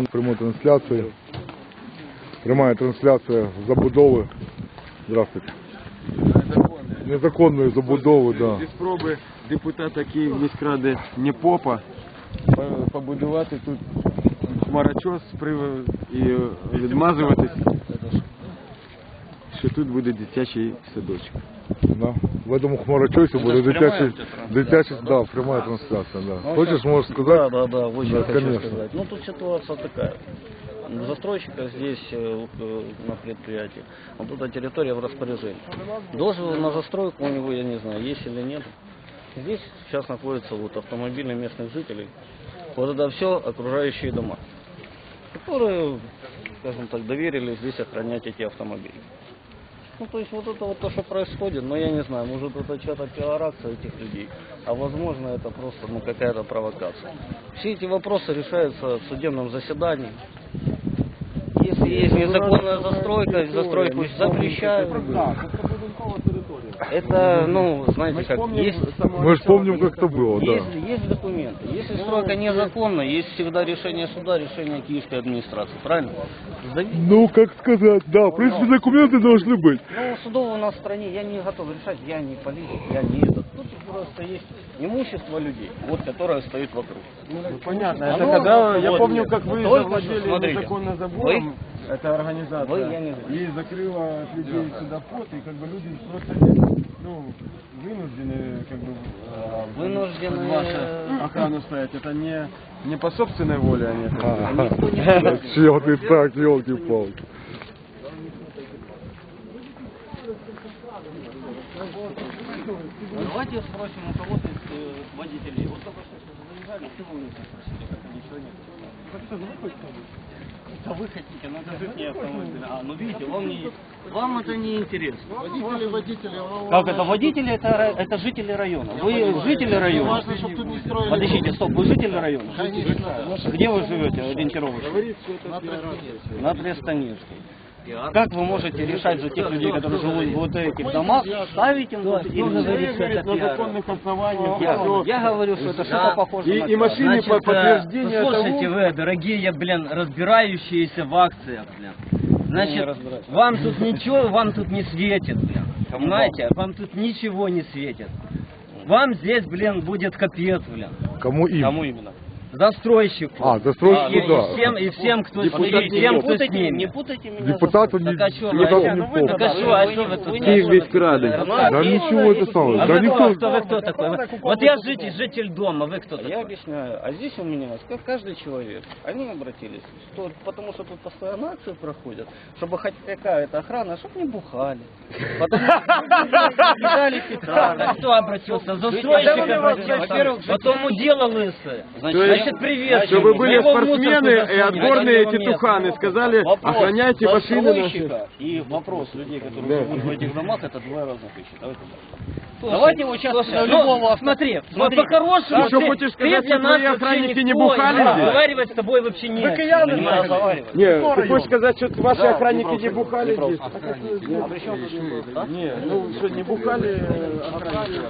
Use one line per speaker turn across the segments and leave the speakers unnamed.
прямой трансляции. Прямая трансляция забудови. Здравствуйте. Незаконної забудови, да.
Зі спроби депутата Київміськради Непопа побудувати тут хмарочос і відмазуватись, що тут буде дитячий садочок.
Да. В этом хмарочосе будет дитячий, да, прямая трансляция, да. Хочешь, можешь сказать?
Да, очень
да,
хочу
конечно.
сказать. Ну, тут ситуация такая. Застройщика здесь, на предприятии, вот эта территория в распоряжении. Дозвол на застройку у него, я не знаю, есть или нет. Здесь сейчас находятся вот автомобили местных жителей. Вот это все окружающие дома, которые, скажем так, доверили здесь охранять эти автомобили. Ну, то есть вот это вот то, что происходит, но я не знаю, может это что-то пиар-акция этих людей, а возможно это просто какая-то провокация. Все эти вопросы решаются в судебном заседании. Если есть незаконная застройка, застройку запрещают. Это, ну, знаете как, есть...
Мы же помним, как это было, да.
Есть документы. Если стройка незаконна, есть всегда решение суда, решение киевской администрации, правильно?
Ну, как сказать, да, в принципе, документы должны быть.
Ну, судов у нас в стране, я не готов решать, я не политик, я не этот. Тут просто есть имущество людей, вот, которое стоит вокруг.
Ну, понятно, это когда, я помню, как вы завладели
смотрите,
незаконно забором, это организация,
я не
и закрыла от людей сюда вход, и как бы люди просто здесь, ну, вынуждены, как бы,
вынуждены
вашу охрану стоять, это не по собственной воле они это
Да, чё ты так, елки-палки.
Давайте спросим у кого-то из водителей. Вот только что заезжали, чего вы спросили, как ничего нет? Это вы хотите, но это жить не автомобиль. Ну видите, вам это не интересно.
Водители.
Как это? Водители это жители района. Вы жители района.
Важно, чтобы тут не строили.
Подождите, стоп, вы жители района?
Конечно.
Где вы живете ориентировочно? На Трестаневской. Как вы можете решать за тех людей, которые живут в вот этих домах, ставить им вот или говорить, что это
на
пиар?
законных основаниях.
Я говорю, что это что-то похоже на
И машины по подтверждению
слушайте
того...
вы, дорогие, разбирающиеся в акциях, Значит, вам тут ничего, вам тут не светит, Понимаете? Вам тут ничего не светит. Вам здесь, будет капец,
Кому им?
Кому именно?
Застройщику.
Застройщику, да.
И всем, кто с
Не
ними.
путайте меня.
Депутату не, депутату не помню.
Так а что, а что вы тут?
Киевміськради.
Да ничего это самое.
А
Да
вы
никто...
кто такой? Вот я житель дома, вы кто
Я
такой?
объясняю. А здесь у меня, как каждый человек, они обратились, что, потому что тут постоянно акции проходят, чтобы хоть какая-то охрана, чтобы не бухали. Потому что кидали петарды.
А кто обратился? Застройщик обратился. Потом удела лысая. Значит, привет.
Чтобы были
Его
спортсмены
мусор туда
и отборные
сунуть.
тетуханы, сказали,
Вопрос
охраняйте машины наши.
застройщика и вопрос людей, которые живут в этих домах, это два разных вещи. Давайте его сейчас любого...
Смотри, по-хорошему,
Ты что, хочешь сказать,
для
что
нас
твои
вообще
охранники не
никто,
бухали здесь?
Разговаривать с тобой вообще не
не разговаривать.
Не, ты хочешь сказать, что ваши охранники не бухали здесь?
А при чем тут вопрос, а?
Не, ну что, не бухали охранники?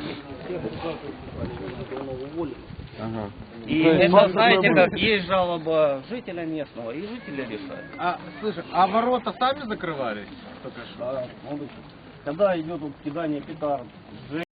Ага.
И это, знаете, как есть жалоба жителя местного, и жители решают.
Слушай, а ворота сами закрывались?
Когда идет вот кидание петард,